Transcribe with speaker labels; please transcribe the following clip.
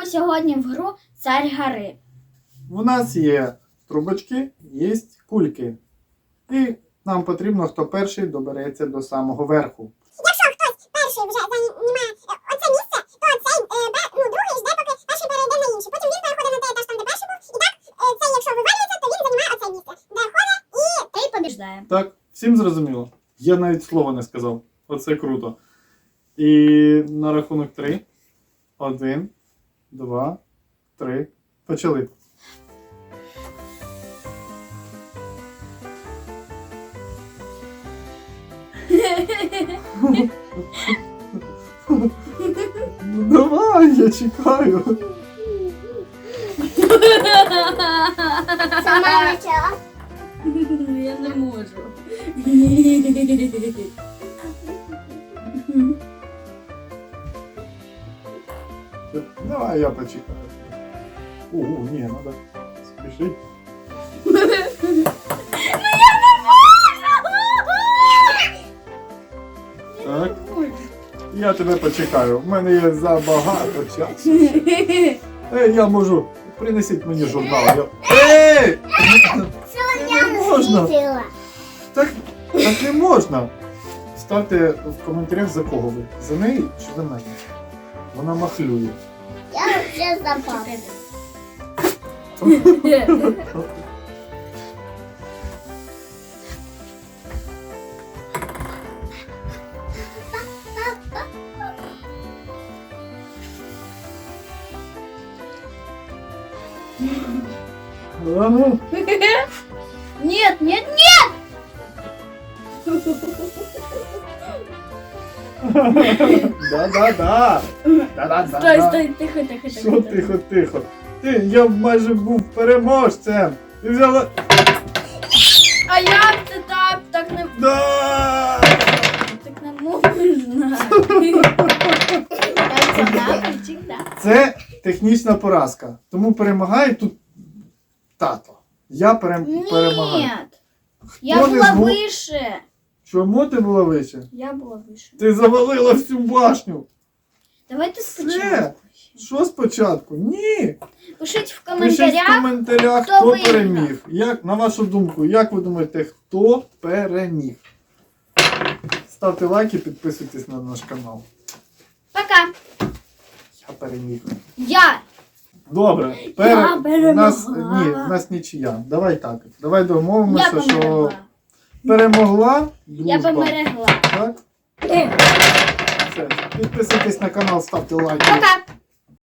Speaker 1: граємо сьогодні в гру Цар гори.
Speaker 2: У нас є трубочки, є кульки. І нам потрібно, хто перший добереться до самого верху.
Speaker 3: Якщо хтось перший вже займає оце місце, то цей другий жде, поки перший перейде на інше. Потім він переходить на той етаж, там, де перший був. І так, цей, якщо вивалюється, то він займає оце місце. Де ходить і...
Speaker 1: Ти побіждає.
Speaker 2: Так, всім зрозуміло? Я навіть слова не сказав. Оце круто. І на рахунок 3. 1, 2, 3. Почали. Ну давай, я чекаю.
Speaker 3: Сама почала.
Speaker 1: Я не можу.
Speaker 2: Давай я почекаю. Ого, ні, треба спішити. Так, я тебе почекаю. У мене є забагато часу. Я можу. Принесіть мені журнал. Ей! Не можна. Так не можна. Ставте в коментарях, за кого ви. За неї чи за мене? Вона махлює.
Speaker 3: Я вже запав.
Speaker 2: А ну.
Speaker 1: Нет, нет, нет!
Speaker 2: Да-да-да.
Speaker 1: Стой, стой, тихо, тихо,
Speaker 2: Що
Speaker 1: тихо.
Speaker 2: тихо, тихо. Я майже був переможцем. Ти взяла...
Speaker 1: А як це так? Так не,
Speaker 2: Да!
Speaker 1: так не можна.
Speaker 2: Це технічна поразка. Тому перемагає тут тато. Я перемагаю.
Speaker 1: Нет, я
Speaker 2: Хто не
Speaker 1: була
Speaker 2: змог-
Speaker 1: вище.
Speaker 2: Чому ти була вище?
Speaker 1: Я була вище.
Speaker 2: Ти завалила всю башню.
Speaker 1: Давайте
Speaker 2: Все.
Speaker 1: спочатку.
Speaker 2: Що спочатку? Ні.
Speaker 1: Пишіть в
Speaker 2: Пишіть в
Speaker 1: коментарях.
Speaker 2: коментарях,
Speaker 1: хто
Speaker 2: хто
Speaker 1: виграв.
Speaker 2: переміг. Як, на вашу думку, як ви думаєте, хто переміг? Ставте лайки, підписуйтесь на наш канал.
Speaker 1: Пока.
Speaker 2: Я переміг.
Speaker 1: Я.
Speaker 2: Добре.
Speaker 1: Я
Speaker 2: В нас нічия. Давай так. Давай домовимося,
Speaker 1: Я
Speaker 2: що
Speaker 1: померла.
Speaker 2: перемогла
Speaker 1: Я
Speaker 2: дружба.
Speaker 1: померегла.
Speaker 2: Так? Все. Підписуйтесь на канал, ставте лайки.
Speaker 1: Пока.